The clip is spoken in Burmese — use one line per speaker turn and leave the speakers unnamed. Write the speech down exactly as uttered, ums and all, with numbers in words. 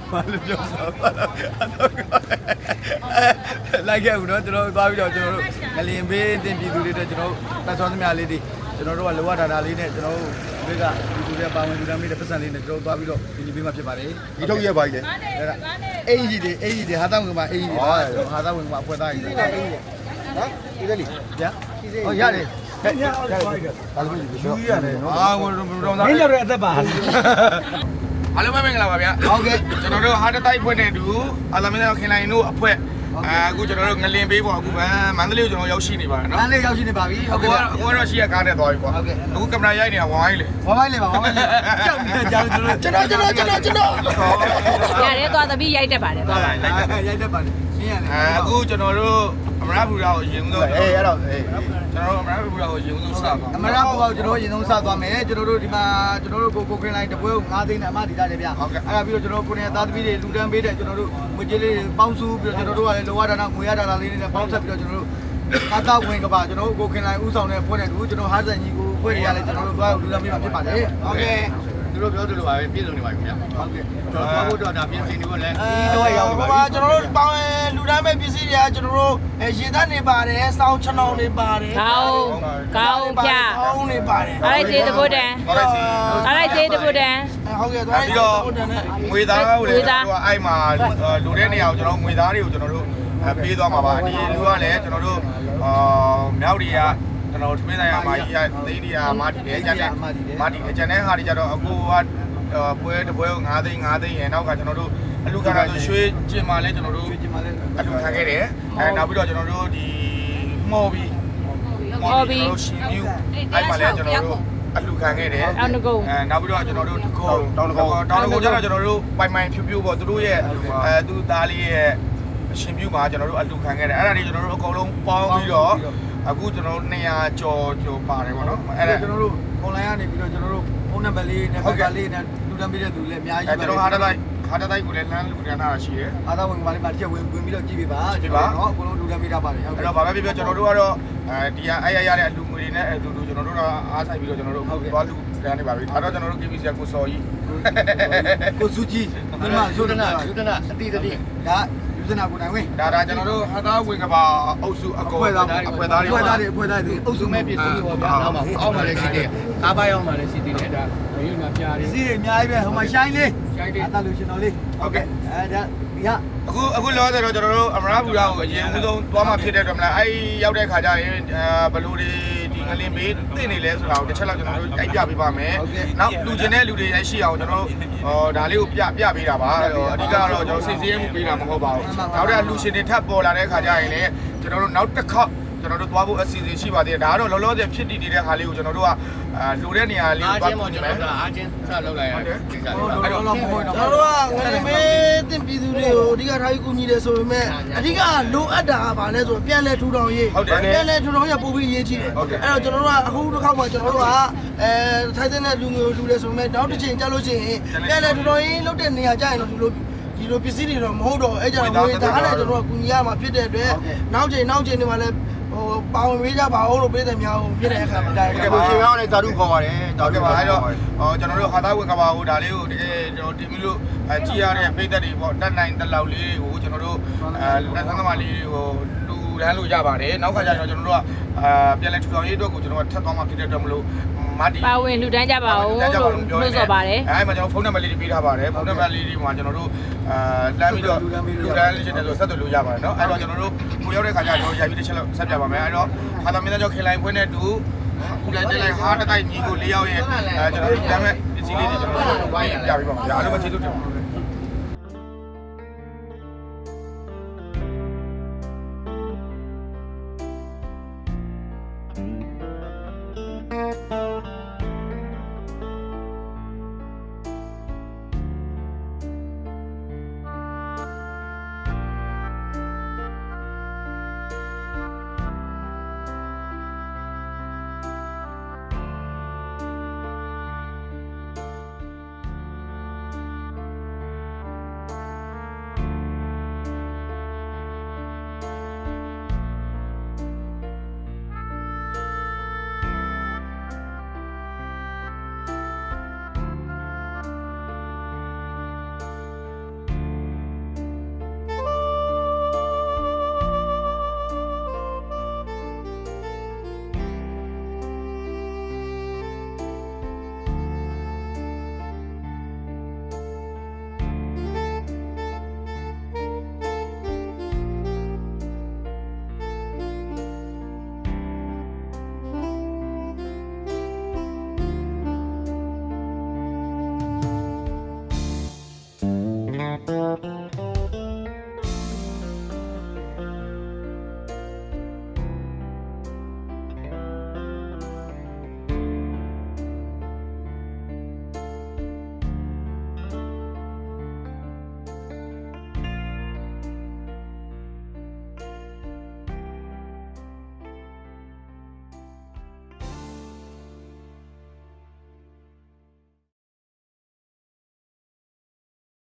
ဘာလို့ပြောစားလိုက်ခဲ့ဦးနော်ကျွန်တော်သွားပြီးတော့ကျွန်တော်တို့ငလင်ဘေးတင်ပြည်သူတွေတဲ့ကျွန်တော်တက်ဆောသမျှလေးတွေကျွန်တော်တို့ကလောရဒါတာလေးနဲ့ကျွန်တော်တို့ဒီကပြည်သူတွေပါဝင်လူတန်းလေးတဲ့ပတ်စံလေးနဲ့ကျွန်တော်သွားပြီးတော့ဒီဘေးမှာဖြစ်ပါတယ်ဒီထုတ်ရက်ပါကြီးလေအဲ့ဒါအေးကြီးတွေအေးကြီးတွေဟာတောင်းကမှာအေးကြီးတွေဟာတောင်းကမှာအဖွဲသားကြီးတွေနော်ဒီလေဗျာဟောရတယ်ဟဲ့ရတယ်ဘာလို့ဒီလိုရတယ်နော်အာဟိုတော့မင်းတို့ရဲ့အသက်ပါအားလုံးပဲမင်္ဂလာပါဗျာဟုတ်ကဲ့ကျွန်တော်တို့ဟာတတိုက်ဖွဲ့နေတူအာသမင်းတို့ခင်လိုင်းတို့အဖွဲ့အခုကျွန်တော်တို့ငလင်ပေးပေါ့အခုမန္တလေးကိုကျွန်တော်ရောက်ရှိနေပါတယ်နော်မန္တလေးရောက်ရှိနေပါပြီဟုတ်ကဲ့အခုတော့ရှိရကားနဲ့သွားပြီပေါ့ဟုတ်ကဲ့အခုကင်မရာရိုက်နေတာဝိုင်းလေဝိုင်းလေပါဝိုင်းလေကြောက်နေကြကျွန်တော်ကျွန်တော်ကျွန်တော်ကျွန်တော်
ရတယ်သွားသမီးရိုက်တတ်ပါတယ်သွားပါ
ရိုက်တတ်ပါတယ်မင်းရတယ်အခုကျွန်တော်တို့အမရဘူရာကိုရင်ဦးဆုံးအေးအဲ့တော့အေးကျွန်တော်တို့အမရဘူရာကိုရင်ဦးဆုံးစပါအမရဘူရာကိုကျွန်တော်ရင်ဆုံးစသွားမယ်ကျွန်တော်တို့ဒီမှာကျွန်တော်တို့ကိုကိုခင်းလိုက်တပွဲကို၅သိန်းနဲ့အမဒီသားတယ်ဗျဟုတ်ကဲ့အဲ့ဒါပြီးတော့ကျွန်တော်ကိုနေသားသမီးတွေလူတန်းပေးတဲ့ကျွန်တော်တို့ငွေကြေးလေးပေါင်းစုပြီးတော့ကျွန်တော်တို့ကလည်းလောရဒါနာငွေရဒါနာလေးနဲ့ပေါင်းဆက်ပြီးတော့ကျွန်တော်တို့ကာတာဝင်ကပါကျွန်တော်တို့ကိုခင်းလိုက်ဦးဆောင်တဲ့ဖွဲ့တဲ့သူကျွန်တော်ဟာဇန်ကြီးကိုဖွဲ့ရလဲကျွန်တော်တို့သွားလူတန်းပေးမှာဖြစ်ပါတယ်ဟုတ်ကဲ့သူတို့ပြောသလိုပါပဲပြည့်စုံနေပါပြီခင်ဗျဟုတ်ကဲ့ကျွန်တော်သွားဖို့တော့ဒါပြင်ဆင်နေဖို့လည်းဒီတော့ရောက်နေပါပြီကျွန်တော်တို့ပေါင်းလူတန်းမဲ့ပစ္စည်းတွေကကျွန်တော်တို့ရေသားနေပါတယ်စောင်းချောင်းနေပါတယ်
ကောင်းကောင်းပြ
ကောင်းနေပါတယ်
အားလိုက်သေးတပုတ်တန်အားလိုက်သေးတပုတ်တန်
ဟုတ်ကဲ့သွားပြီးတော့ငွေသားကိုလည်းကျွန်တော်အဲ့မှာလူတဲ့နေရာကိုကျွန်တော်ငွေသားတွေကိုကျွန်တော်တို့ပေးသွားမှာပါဒီလူကလည်းကျွန်တော်တို့အာမြောက်တွေကကျွန်တော်သမင်းဆိုင်ရာမာကြီးကသိန်းတွေကမာတီတယ်ကျန်တဲ့မာတီကျန်တဲ့ဟာတွေကြတော့အခုကပွဲတစ်ပွဲကို၅သိန်း၅သိန်းရယ်နောက်ကကျွန်တော်တို့အလူခံတာဆိုရွှေကျင်မာလဲကျွန်တော်တို့အလူခံခဲ့တယ်အဲနောက်ပြီးတော့ကျွန်တော်တို့ဒီမော်ဘီမော်ဘီရှင်မြူအဲ့မှာလဲကျွန်တော်တို့အလူခံခဲ့တယ်
တောင်းတကုံ
အဲနောက်ပြီးတော့ကျွန်တော်တို့တကုံတောင်းတကုံတောင်းတကုံကျတော့ကျွန်တော်တို့ပိုင်ပိုင်ဖြူဖြူပေါ့သူတို့ရဲ့အဲသူသားလေးရဲ့ရှင်မြူမှာကျွန်တော်တို့အလူခံခဲ့တယ်အဲ့ဒါတွေကျွန်တော်တို့အကုန်လုံးပေါင်းပြီးတော့အခုကျွန်တော်တို့နှစ်ရာကျော်ကျော်ပါတယ်ပေါ့နော်အဲ့ဒါကျွန်တော်တို့ online ကနေပြီးတော့ကျွန်တော်တို့ဖုန်းနံပါတ်လေးနဲ့ဘက်ကလေးနဲ့လူတန်းပေးတဲ့သူလည်းအများကြီးပဲကျွန်တော်ဟာတတိုက်ဟာတတိုက်ကိုလည်းလမ်းလူတန်းတာရှိတယ်အားသာဝင်ပါလေးပါတစ်ချက်ဝင်ဝင်ပြီးတော့ကြည့်ပေးပါကြည့်ပါနော်အကုန်လုံးလူတန်းပေးတာပါတယ်အဲ့တော့ဘာပဲပြောပြောကျွန်တော်တို့ကတော့အဲဒီကအဲ့ရရတဲ့အလူငွေတွေနဲ့အတူတူကျွန်တော်တို့ကအားဆိုင်ပြီးတော့ကျွန်တော်တို့သွားလူတန်းနေပါပြီဒါတော့ကျွန်တော်တို့ K B C ကိုစော်ကြီးကိုစုကြီးဒီမှာဇုဒနာဇုဒနာအတီးတီးဒါဇနာကိုနိုင်ဝင်ဒါဒါကျွန်တော်တို့ဟာသားဝင်ကပါအုပ်စုအကောအဖွဲ့သားတွေအဖွဲ့သားတွေအဖွဲ့သားတွေအဖွဲ့သားတွေအုပ်စုမဲ့ပြည်စုပေါ့ဗျာနောက်မှာဟိုအောက်မှာလည်းရှိတယ်ကားပိုင်းအောက်မှာလည်းရှိသေးတယ်ဒါရွေးမှာပြားတယ်စီးတွေအများကြီးပဲဟိုမှာရှိုင်းလေးရှိုင်းလေးအတလူရှင်တော်လေးဟုတ်ကဲ့အဲဒါဒီဟာအခုအခုလောဆယ်တော့ကျွန်တော်တို့အမရဘူရာကိုအရင်ဦးဆုံးသွားမှဖြစ်တဲ့အတွက်မလားအဲရောက်တဲ့ခါကျရင်ဘလူတွေဒီငလင်ဘေးသိနေလဲဆိုတာကိုတစ်ချက်လောက်ကျွန်တော်တို့တိုက်ပြပေးပါမယ်နောက်လူကျင်တဲ့လူတွေရရှိအောင်ကျွန်တော်တို့ဟောဒါလေးကိုပြပြပေးတာပါအဓိကတော့ကျွန်တော်စိတ်စည်းမှုပေးတာမဟုတ်ပါဘူးနောက်တဲ့လူရှင်တွေထပ်ပေါ်လာတဲ့ခါကျရင်လည်းကျွန်တော်တို့နောက်တစ်ခေါက်ကျွန်တော်တို့သွားဖို့အစီအစဉ်ရှိပါသေးတယ်ဒါကတော့လောလောဆယ်ဖြစ်တည်နေတဲ့ခါလေးကိုကျွန်တော်တို့ကအာလူတဲ့နေရာလေးကိုသွားဖို့ကျွန်တော်တို့အားချင်းဆက်လုပ်လိုက်ရတယ်ဒီကလေးအဲ့တော့ကျွန်တော်တို့ကငလင်ဘေးတင်ပြည်သူတွေကိုအဓိကထားပြီးကူညီတယ်ဆိုပေမဲ့အဓိကလိုအပ်တာကဘာလဲဆိုတော့ပြန်လဲထူထောင်ရေးပြန်လဲထူထောင်ရေးပို့ပြီးရေးချတယ်အဲ့တော့ကျွန်တော်တို့ကအခုတစ်ခေါက်မှကျွန်တော်တို့ကအဲထိုင်းတဲ့လူမျိုးလူတွေဆိုပေမဲ့နောက်တစ်ချိန်ကြာလို့ရှိရင်ပြန်လဲထူထောင်ရေးလုပ်တဲ့နေရာကြာရင်တော့ဒီလိုဒီလိုပစ္စည်းတွေတော့မဟုတ်တော့အဲ့ကြောင့်ငွေသားနဲ့ကျွန်တော်ကကူညီရမှာဖြစ်တဲ့အတွက်နောက်ချိန်နောက်ချိန်တွေမှာလည်းဟိုပါဝင်ပေးကြပါဦးလို့ပြည်သူများကိုပြည်တဲ့အခါမှာဒါကကိုရှင်ရောင်းနဲ့တာတုခေါ်ပါတယ်ဒါကပါအဲ့တော့ဟောကျွန်တော်တို့ဟာသားဝင်ကပါဦးဒါလေးကိုတကယ်ကျွန်တော်တင်ပြီးလို့အကြည့်ရတဲ့ပြည်သက်တွေပေါ့တက်နိုင်တက်လောက်လေးကိုကျွန်တော်တို့အဲလက်သန်းသမားလေးတွေကိုလူလမ်းလို့ရပါတယ်နောက်ခါကျရင်ကျွန်တော်တို့ကအာပြန်လဲထူထောင်ရေးအတွက်ကိုကျွန်တော်ကထပ်သွားမှဖြစ်တဲ့အတွက်မလို့မာတီ
ပါဝင်လူတန်းကြပါဦးလို့လို့ဆိုပါတယ်
အဲမှာကျွန်တော်ဖုန်းနံပါတ်လေးတွေပေးထားပါတယ်ဖုန်းနံပါတ်လေးတွေမှာကျွန်တော်တို့အာလမ်းပြီးတော့လူတန်းလေးရှင်တယ်ဆိုဆက်သွယ်လို့ရပါတယ်เนาะအဲ့တော့ကျွန်တော်တို့ကိုရောက်တဲ့ခါကျကျွန်တော်ရိုက်ပြီးတစ်ချက်လောက်ဆက်ပြပါမယ်အဲ့တော့ဟာသမင်းသားကျော်ခေလိုင်းဖွင့်တဲ့တူခုတိုင်းတက်လိုက်ဟာတတိုက်ညီကို၄ယောက်ရဲ့အဲကျွန်တော်တို့ဒါမဲ့ပစ္စည်းလေးတွေကျွန်တော်တို့ဝိုင်းပြပေးပါမယ်အားလုံးပဲကျေးဇူးတင်ပါတယ်။